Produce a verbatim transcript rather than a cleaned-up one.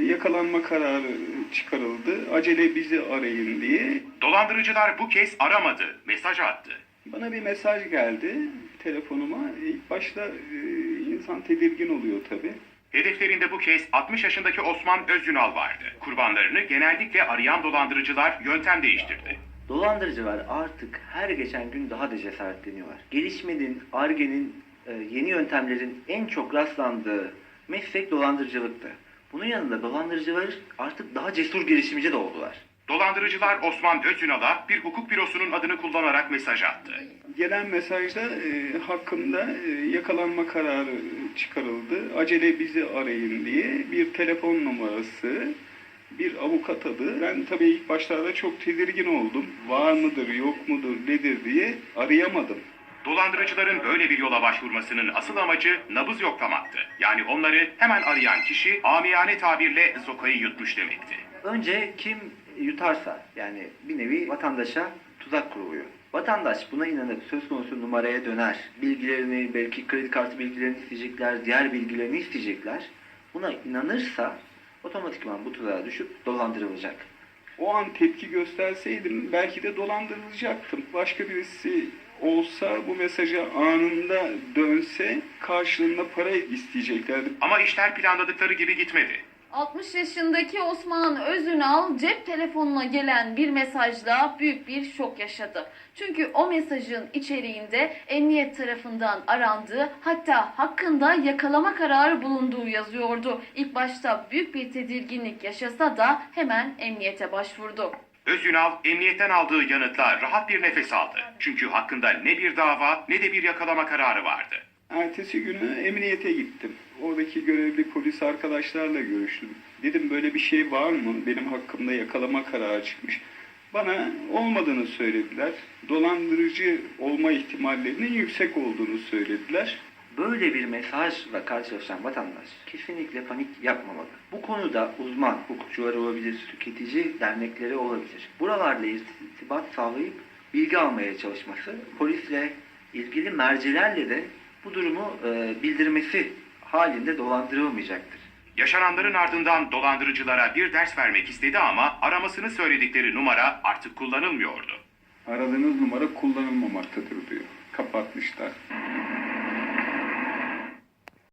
yakalanma kararı çıkarıldı. Acele bizi arayın diye. Dolandırıcılar bu kez aramadı, mesaj attı. Bana bir mesaj geldi telefonuma. İlk başta e, insan tedirgin oluyor tabii. Hedeflerinde bu kez altmış yaşındaki Osman Özyunal vardı. Kurbanlarını genellikle arayan dolandırıcılar yöntem değiştirdi. Dolandırıcılar artık her geçen gün daha da cesaretleniyorlar. Gelişmenin, Ar-Ge'nin, e, yeni yöntemlerin en çok rastlandığı meslek dolandırıcılıktı. Bunun yanında dolandırıcılar artık daha cesur girişimci de oldular. Dolandırıcılar Osman Özyunal'a bir hukuk bürosunun adını kullanarak mesaj attı. Gelen mesajda e, hakkında e, yakalanma kararı çıkarıldı. Acele bizi arayın diye bir telefon numarası, bir avukat adı. Ben tabii ilk başlarda çok tedirgin oldum. Var mıdır, yok mudur, nedir diye arayamadım. Dolandırıcıların böyle bir yola başvurmasının asıl amacı nabız yoklamaktı. Yani onları hemen arayan kişi amiyane tabirle sokayı yutmuş demekti. Önce kim yutarsa, yani bir nevi vatandaşa tuzak kuruluyor. Vatandaş buna inanıp söz konusu numaraya döner. Bilgilerini, belki kredi kartı bilgilerini isteyecekler, diğer bilgilerini isteyecekler. Buna inanırsa otomatikman bu tuzağa düşüp dolandırılacak. O an tepki gösterseydim belki de dolandırılacaktım. Başka birisi olsa bu mesaja anında dönse karşılığında para isteyeceklerdi. Ama işler planladıkları gibi gitmedi. altmış yaşındaki Osman Özünal cep telefonuna gelen bir mesajla büyük bir şok yaşadı. Çünkü o mesajın içeriğinde emniyet tarafından arandığı, hatta hakkında yakalama kararı bulunduğu yazıyordu. İlk başta büyük bir tedirginlik yaşasa da hemen emniyete başvurdu. Özyunal emniyetten aldığı yanıtla rahat bir nefes aldı. Çünkü hakkında ne bir dava ne de bir yakalama kararı vardı. Ertesi günü emniyete gittim. Oradaki görevli polis arkadaşlarla görüştüm. Dedim böyle bir şey var mı? Benim hakkımda yakalama kararı çıkmış. Bana olmadığını söylediler. Dolandırıcı olma ihtimallerinin yüksek olduğunu söylediler. Böyle bir mesajla karşılaşan vatandaş kesinlikle panik yapmamalı. Bu konuda uzman hukukçular olabilir, tüketici dernekleri olabilir. Buralarla irtibat sağlayıp bilgi almaya çalışması, polisle ilgili mercilerle de bu durumu e, bildirmesi halinde dolandırılmayacaktır. Yaşananların ardından dolandırıcılara bir ders vermek istedi ama aramasını söyledikleri numara artık kullanılmıyordu. Aradığınız numara kullanılmamaktadır diyor. Kapatmışlar.